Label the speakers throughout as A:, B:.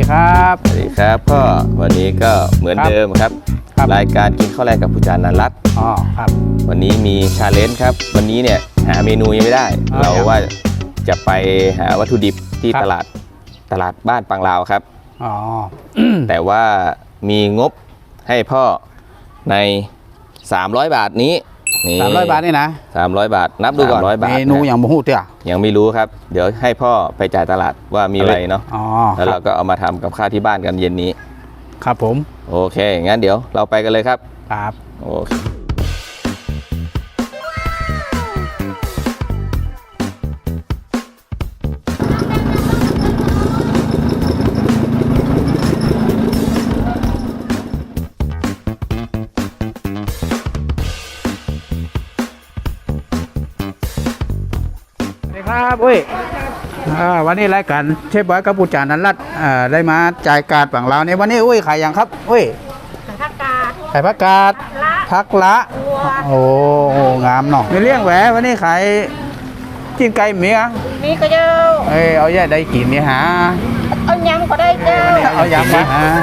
A: ครับ
B: สวัสดีครับพ่อวันนี้ก็เหมือนเดิมครับรายการกินข้าวแรกกับผู้จารนันรัตน์
A: ครับ
B: วันนี้มีชาเลนจ์ครับวันนี้เนี่ยหาเมนูยังไม่ได้เราว่าจะไปหาวัตถุดิบที่ตลาดบ้านปังลาวครับแต่ว่ามีงบให้พ่อใน300 บาทนี้
A: 300 บาทนี่นะ
B: 300 บาทนับดูก่อน100 บาท
A: เมนูอย่างบ่ฮู้เตี้ย
B: ยังไม่รู้ครับเดี๋ยวให้พ่อไปจ่ายตลาดว่ามีอะไรเนาะแล้วเราก็เอามาทำกับข้าวที่บ้านกันเย็นนี้
A: ครับผม
B: โอเคงั้นเดี๋ยวเราไปกันเลยครับ
A: ครับ
B: โอเค
A: ครับอุ้ยวันนี้รายการเชฟบอยกับผู้จารนันรัตน์ได้มาจ่ายการฝั่งเราในวันนี้อุ้ยขายอย่างครับอุ้ยขายผักกาดผักละโอ้งามเนาะมีเลี้ยงแหววันนี้ขายกินไก่เมีย
C: มีก็เจ้า
A: เอาแย่ได้กินนี่ฮะ
C: เอายำก็ได้เจ้า
A: เอายำมา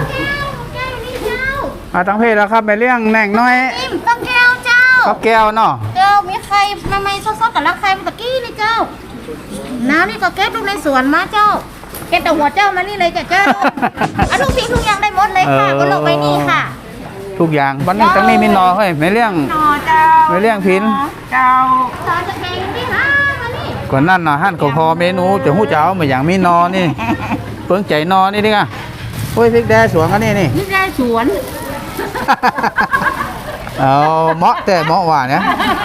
A: ตั้งเพศแล้วครับไปเลี้ยงแหน่งน้อย
C: ต้องแก้วเจ้า
A: ข้าวแก้วเนาะ
C: เจ้ามีไข่ใหม่ๆสดๆกับรักไข่เมื่อกี้นี่เจ้าน้ำนี่ก็เก็บลูกในสวนมาเจ้าเก็บแต่หัวเจ้ามานี่เลยเจ้าเอาทุกสิ่งทุกอย่างได้หมดเลยค่ะก็ลงไปนี่ค่ะ
A: ทุกอย่างวันนี้ตั้งนี้มีนอเฮ้ยไม่เลี้ยง
C: นอเจ้า
A: ไม่เลี้ยงพิน
C: เจ้าตอนจะแข่งที่ห้ามานี่
A: ก่อนนั่นนะหั่นก็พอเมนูจะหู้เจ้าเหมือนอย่างมีนอนี่เพิ่งใจนอนี่ดิค่ะโอ้ยพริกแดงสวนกันนี่
C: พริกแดงสวน
A: เอาเหมาะแต่เหมาะหวานเนี่ย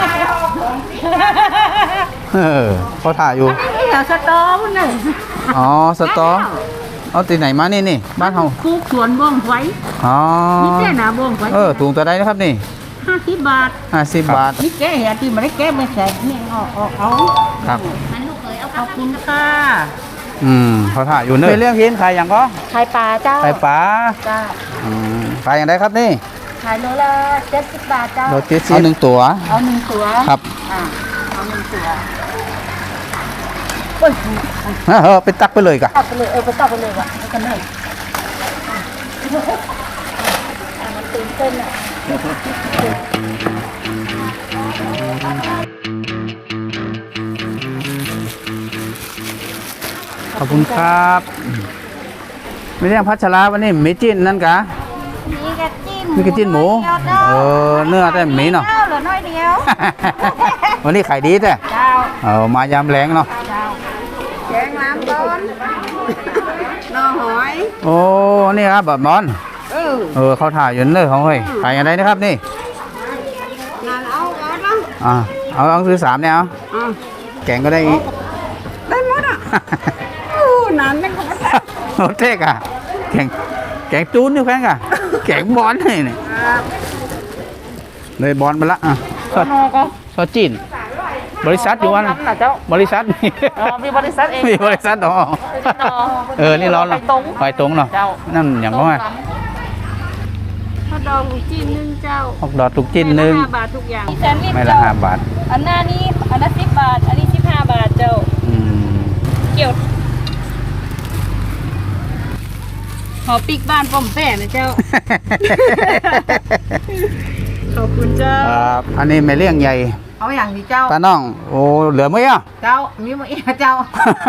A: เขาถ่ายอยู่
C: สตอมันเลย
A: อ๋อสตอเอาตีไหนมานี่บ้านเขา
C: ปลูกสวนบ้องไว้
A: อ๋อ
C: นี่แก่หนาบ้องไว้
A: ถุงตัวใดนะครับนี่
C: 50 บาท
A: 50 บาท
C: นี่แก่เหี้ยที่มันได้แก่ไม่แสกนี่เอา
A: ครับ
C: มันลูกเขยเอาขอบคุณค่ะ
A: เขาถ่ายอยู่เนอะเรื่องพินขายอย่างก็
C: ขายปลาเจ้า
A: ขายปลา
C: จ้า
A: ขายอย่างไรครับนี่
C: ขายโลละ70 บาทเจ้า
A: โล70เอา1 ตัว
C: เอา1 ตัว
A: ครับ
C: เอา1 ตัว
A: ไปตักไปเลยกะ
C: ตักไปเลยไปตักไปเลยว่ะกันเลยมันตื่นเต้นอ่ะ
A: ขอบคุณครับไม่เรียกพัชราวันนี้มีจิ้นนั่นกะมีกระจิ้นหมูเนื้อแต่หมีเนาะ
C: เหลือน้อยเดียว
A: วันนี้ขายดีแต่มายามแรงเนาะ
C: แกงน้ำต้นนอหอย
A: โอ้นี่ครับแบบมอนเขาถ่ายอยู่เนอะเขาเฮ้ยขายอะไรนะครับนี่เอาซื้อ3เนี่ยเอาแกงก็ได้อีก
C: ได้หมดอ่ะนานไม่ก็ไม่ได้
A: โอ้เท่อะแกงจูนนี่แพงอะแกงบอลนี่เลยบอลไปละซอจีนบริษัทอยู่วันบริษัท
C: มีบริษัทเอง
A: มีบริษัทนี่ร้อนหรอไฟตรงเนาะนั่นอย่างก็ไง
C: ฮอทดอกจีนนึงเจ้า
A: ฮอทดอกจีนนึง
C: 5 บาททุกอย่าง
A: ไม่ละ5 บาท
C: อันหน้านี้อันละ10 บาทอันนี้15 บาทเจ้าเกี่ยวขอปิกบ้านป้อมแป้นะเจ้าขอบคุณเจ้า
A: อันนี้ไม่เลี้ยงใหญ่
C: เอาอย่างนี้เจ้า
A: ตาน้องโอ้เหลือไหมอ่ะ
C: เจ้ามีมั้ยเจ้า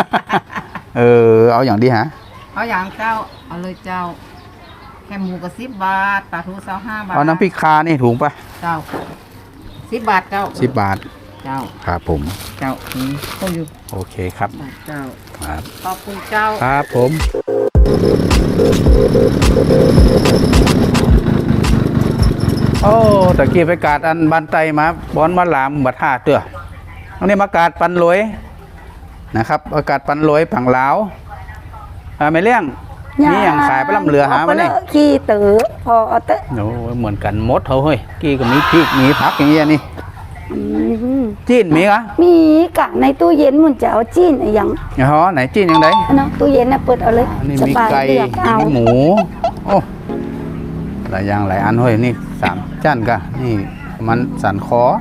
A: เอาอย่างดีฮะ
C: เอาอย่างเจ้าเอาเลยเจ้าแค่หมูก็10 บาทปลาทู25 บาท
A: เอาน้ำพริกคานี่ถุงปะ
C: เจ้า10 บาทเจ้า
A: 10 บาท
C: เจ้า
A: ครับผม
C: เจ้าต้มอยู่
A: โอเคครับ
C: เจ้า
A: ครับ
C: ขอบคุณเจ้า
A: ครับผมโอ้ตะกี้ไปกาดอันบันไตมาบอนมาหลามบัดท่าเตื้ออันนี้มากาดปันรวยนะครับอากาศปันรวยผังลาวไม่เลี้ยงนี่อย่างขายไปลำเรือหามาเนี่ย
C: ขี้ตือพอเตะ
A: โอ้เหมือนกันมดเขาเฮ้ยกี้ก็มีพริกมีผักอย่างเงี้ยนี่จีนมีกะ
D: มีกะในตู้เย็นมันจะเอาจีนอย่าง
A: ไหนจีนอย่างไร
D: เนาะตู้เย็นนะเปิดเอาเลย
A: นี่มีไก่มีหมูโอ้หลายอย่างหลายอันเฮ้ยนี่3 จานกะนี่มันสันคอ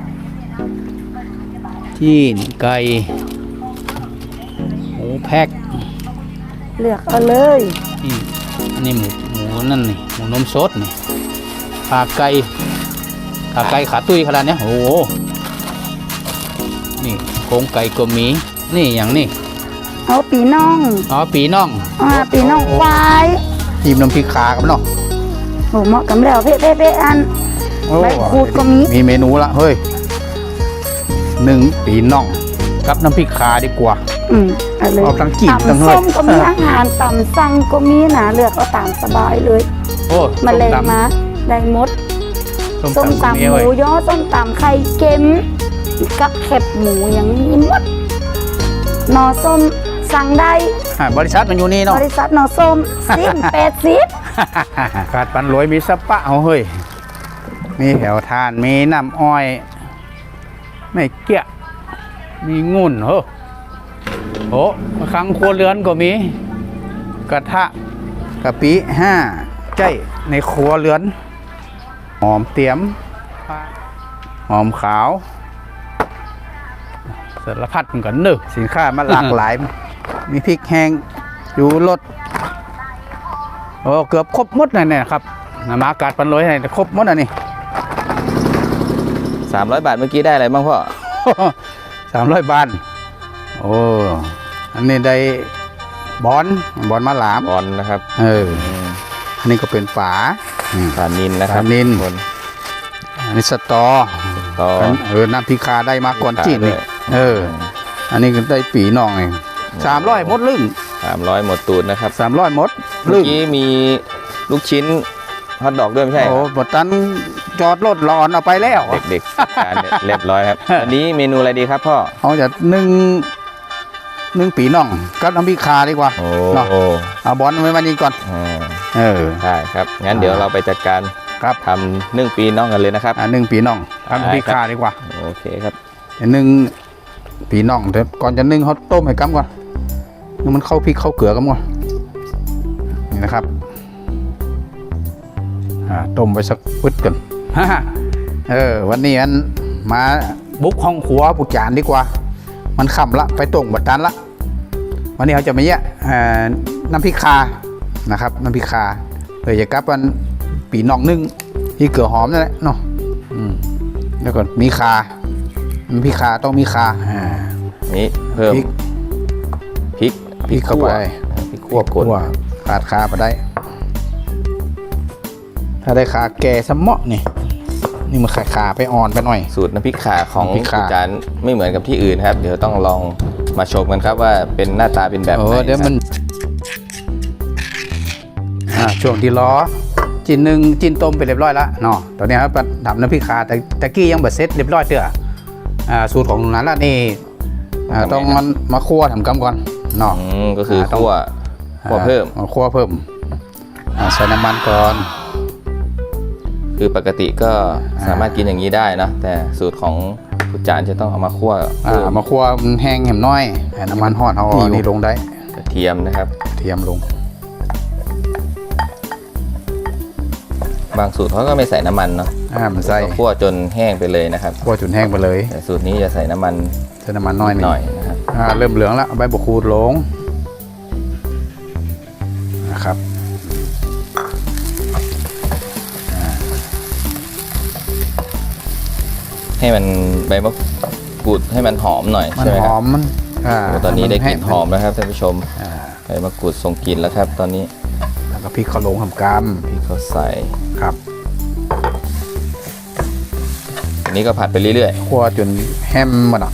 A: จีนไก่หมูแพ็ค
D: เลือกเอาเลย
A: นี่หมูนั่นนี่หมูนมสดนี่ขาไก่ขาตุ้ยขนาดเนี้ยโอ้โหนี่โครงไก่ก็มีนี่อย่างนี้
D: เอาปีน่อง
A: อ๋อปีน่อง
D: ปีน่องควาย
A: จิ้มน้ำพริกขากับเนาะ
D: โหเหมาะกับแล้วเพ่อัน
A: โอ้
D: ใบขูดก็มี
A: มีเมนูละเฮ้ย1ปีน่องกับน้ำพริกขาดีกว่า
D: เอาเลย
A: เอาทั้งจิ้มทั้ง
D: ตำ
A: เฮ้ย
D: ส้มก็มีอาหารตำสั่งก็มีนะเลือกเอาตามสบายเลย
A: โอ้
D: มาเลยมาได้หมด ส้ม
A: ก็
D: ตำ
A: มี
D: ห
A: เว้
D: มู
A: ย
D: ยอส้มตำไข่เค็มกับแคบหมูอย่างนี้หมดหนอส้มสั่งได้
A: บริษัทมันอยู่นี่เนาะ
D: บริษัทหนอส้ม80
A: ขาดปันรวยมีสปะเอาเฮ้ยมีแถวทานมีน้ำอ้อย ไม่เกี้ยมีงุ่นเฮ้อโอ้ครั้งครัวเรือนก็มี กระทะกะปิ5ใจในครัวเรือนหอมเตียมหอมขาวสารพัดมันก็นึกสินค้ามันหลากหลาย มีพริกแห้งอยู่รสโอ้เกือบครบหมดเลยเนี่ยครับมากาดปันรวยให้ครบหมดอันนี้
B: 300 บาทเมื่อกี้ได้อะไรบ้างพ่อ
A: 300 บาทโอ้อันนี้ได้บอนมาหลาม
B: บอลนะครับ
A: อันนี้ก็เป็นฝา
B: ปลานินนะครับ
A: ปลานิล
B: คน
A: อันนี้สตอ
B: ต่อ
A: น้ำพริกคาได้มาก่อนจีนนี่
B: ด้วย
A: อันนี้ก็ได้ปีน่องเอง300หมดลึ่ง
B: 300หมดตูดนะครับ
A: 300หมด
B: เมื่
A: ลึ่
B: อง กี้มีลูกชิ้นฮอทดอกด้วยไม่ใช่
A: โอ้บตันจอดรถรอนเอาไปแล้ว
B: เด็กๆทานเนี่ยเรียบร้อยครับ อันนี้เมนูอะไรดีครับพ่อ
A: เขาจะนึ่งปีน่องกับน้ำพริกคาดีกว่า
B: โอ้
A: เนาะเอาบอลไว้วันนี้ก่อน
B: ใช่ครับ งั้นเดี๋ยวเราไปจัดการ
A: ครับ
B: ทำนึ่งปีน้องกันเลยนะครับ
A: นึ่งปีน่องกับน้ำพริกคาดีกว่า
B: โอเคครับ
A: นึ่งปีน่องเดี๋ยวก่อนจะนึ่งเขาต้มให้กั๊มก่อนให้มันเข้าพริกเข้าเกลือกั๊มก่อนนี่นะครับต้มไว้สักพึดกัน วันนี้อันมาบุกห้องครัวปุจจานดีกว่า มันค่ำละไปตรงบัดตันละวันนี้เขาจะมาแยะน้ำพริกคานะครับน้ำพริกคาเพื่อจะกลับวันปีน่องนึ่งที่เกลือหอมนั่นแหละเนาะแล้วก็มีคาน้ำพริกคาต้องมีคา
B: นี่เพิ่ม
A: พริกเข้าไป
B: พริกขั่วกด
A: ขาดคาไปได้ ถ้าได้คาแก่สมะนี่มันขาไปอ่อนไปหน่อย
B: สูตรน้ำพริกข่าของ
A: น้ำพริกข่า
B: อาจารย์ไม่เหมือนกับที่อื่นครับ เดี๋ยวต้องลองมาชมกันครับว่าเป็นหน้าตาเป็นแบบไหน
A: เดี๋ยวมันช่วงที่ล้อจินต้มไปเรียบร้อยแล้วเนาะตอนนี้ครับทำน้ำพริกขาแต่ตะกี้ยังแบบเซ็ตเรียบร้อยเถอะสูตรของนั้นละนี่ต้องมันมาคั่วทำกำก่อนเนาะ
B: ก็คือคั่วเพิ่ม
A: คั่วเพิ่มใส่น้ำมันก่อน
B: คือปกติก็สามารถกินอย่างนี้ได้นะแต่สูตรของอาจารย์จะต้องเอามาคั่วเพิ่ม
A: มาคั่วมันแห้งแหมน้อยน้ำมันห่อนเอานี่ลงได้
B: กระเทียมนะครับ
A: เทียมลง
B: บางสูตรเขาก็ไม่ใส่น้ำมันเนาะ
A: มันใส่
B: ก็คั่วจนแห้งไปเลยนะครับ
A: คั่วจนแห้งไปเลย
B: แต่สูตรนี้จะใส่น้ำมัน
A: ใส่น้ำมันน้อย
B: หน่อยนะครับ
A: เริ่มเหลืองแล้วเอาใบบักคูดลงนะครับ
B: ให้มันใบมะกรูดให้มันหอมหน่อย
A: มัน
B: ใช่ไหม
A: ห
B: ค
A: อ
B: รับ
A: มมัน
B: โอ้ตอนนี้ได้กลิ่นหอมแล้วครับท่านผู้ชม
A: อ่า
B: ใบมะกรูดส่งกลิ่นแล้วครับ ตอนนี้
A: แล้วก็พริกข้าวหลงทำก
B: พริกเขาใส่
A: ำครับ
B: อันนี้ก็ผัดไปเรื่อย
A: คั่วจนแห้มหมดอ่ะ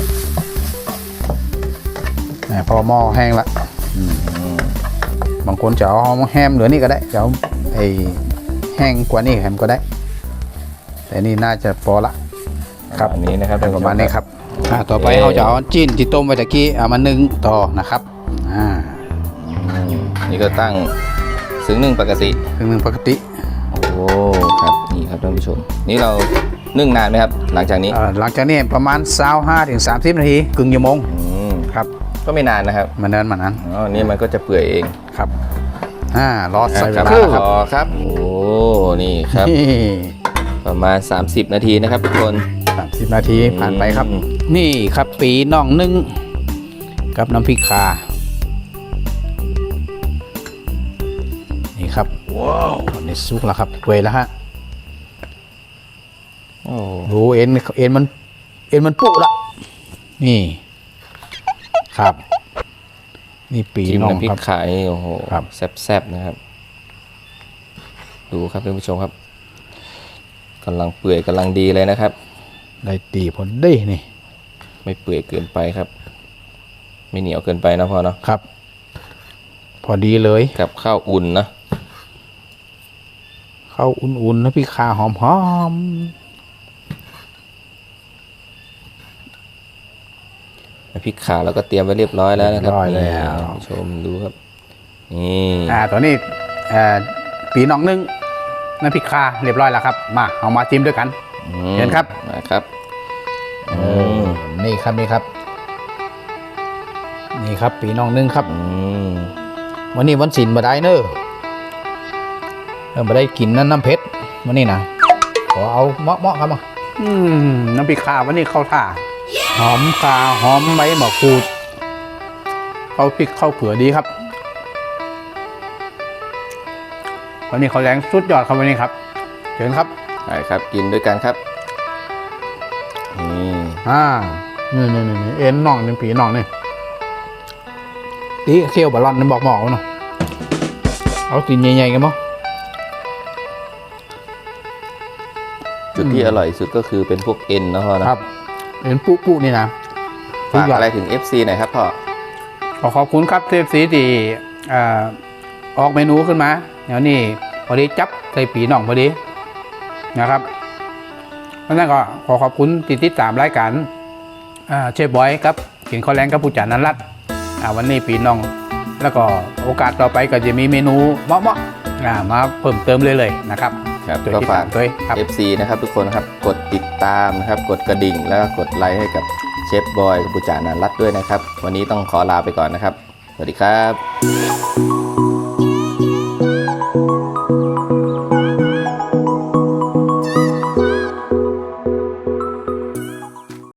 A: พอหม้อแห้งละบางคนจะเอาแห้มเหลือนี่ก็ได้จะเอาไอ้แห้งกว่านี่แฮมก็ได้ แต่นี่น่าจะพอละ
B: ๆ
A: ครับ
B: อันนี้นะครับท่าน
A: ป
B: ผู้
A: ระ
B: ช
A: มาณนี้ครับต่อไปเราจะเอาจิ้นที่ต้มไว้ตะกี้เอามานึ่งต่อนะครับ
B: นี่ก็ตั้งซึ้งนึ่งปกติ
A: นึ่งปกติ
B: โอ้ครับนี่ครับท่านผู้ชม นี่เรานึ่งนานไหมครับ หลังจากนี้
A: หลังจากนี้ประมาณ25 ถึง 30 นาทีครึ่งชั่วโมง ครับ
B: ก็ไม่นานนะครับ
A: มันนั้น
B: อ๋อนี่มันก็จะเปื่อยเอง
A: ครับรอใส่เว
B: ครับ
A: ลาครับ
B: รอครับ โอ้นี่ครับ ประมาณ 30 นาทีนะครับทุกคน
A: 30 นาทีผ่านไปครับ นี่ครับปีน่องนึ่งกับน้ำพริกข่านี่ว้าวนี่สุกแล้วครับเวแล้วฮะ
B: โอ้
A: ดูเอ็นมันปุละนี่ครับ นี่ปี
B: จิ้ม
A: น้อง
B: น้ำพริ
A: ค
B: ก
A: รับ
B: ขานี่โอ้โห
A: ครับ
B: แซ่บๆนะครับ ดูครับท่านผู้ชมครับกำลังเปื่อยกำลังดีเลยนะครับ
A: ได้ตีผลได้นี่
B: ไม่เปื่อยเกินไปครับ ไม่เหนียวเกินไปนะพ่อเนาะ
A: ครับ พอดีเลย
B: กับข้าวอุ่นนะ
A: เข้าอุ่นๆนะพี่ขาหอม
B: น้ำพริกขาแล้วก็เตรียมไว้เรียบร้อยแล้วนะครับ
A: เรียบร้อยแล้ว
B: นี่ท่านผู้ชมดูครับนี่
A: ตัวนี้ปีน้องนึ่งน้ำพริกคาเรียบร้อยแล้วครับมาเอามาจิ้มด้วยกัน เห็นครับ
B: มาครับ
A: นี่ครับนี่ครับปีน้องนึ่งครับ วันนี้วันศิลป์บ่ได้เนอะบ่ได้กินน้ำเพชรวันนี้นะขอเอาเหมาะครับมาน้ำพริกคาวันนี้เข้าท่าหอมคาหอมใบมะกรูดเข้าพริกเข้าเกลือดีครับวันนี้เขาแรงสุดยอดครับวันนี้ครับเชิญครับ
B: ไปครับกินด้วยกันครับนี่
A: นี่เอ็นน่องเป็นผีน่องนี่ตีเคี่ยวบอลลอนนั่นบอกหมอเนาะเอาตีนใหญ่ๆกันมั้ง
B: จุดที่อร่อยสุดก็คือเป็นพวกเอ็นนะพ่อนะครับ
A: เอ็นปุ๊นี่นะ
B: ฝากอะไรถึง FC หน่อยครับพ่อ
A: ขอบคุณครับเทพสีที่ออกเมนูขึ้นมาเดี๋ยวนี้พอดีจับใส่ปีน่องพอดีนะครับเพราะนั้นก็ขอบคุณที่ติดตามรายการเชฟบอยครับกินข้าวแรงกับผู้จานันรัตน์วันนี้ปีน้องแล้วก็โอกาสต่อไปก็จะมีเมนูเหมาะๆมาเพิ่มเติมเลยนะครับ
B: ครับ
A: โดย
B: ก็
A: ที่
B: ฝา
A: ตาก มด้วยครับ
B: FC นะครับทุกคนครับกดติดตามนะครับกดกระดิ่งแล้วก็กดไลค์ให้กับเชฟบอยกับปุจจานันรัตน์ด้วยนะครับ วันนี้ต้องขอลาไปก่อนนะครับ สวัสดีครับ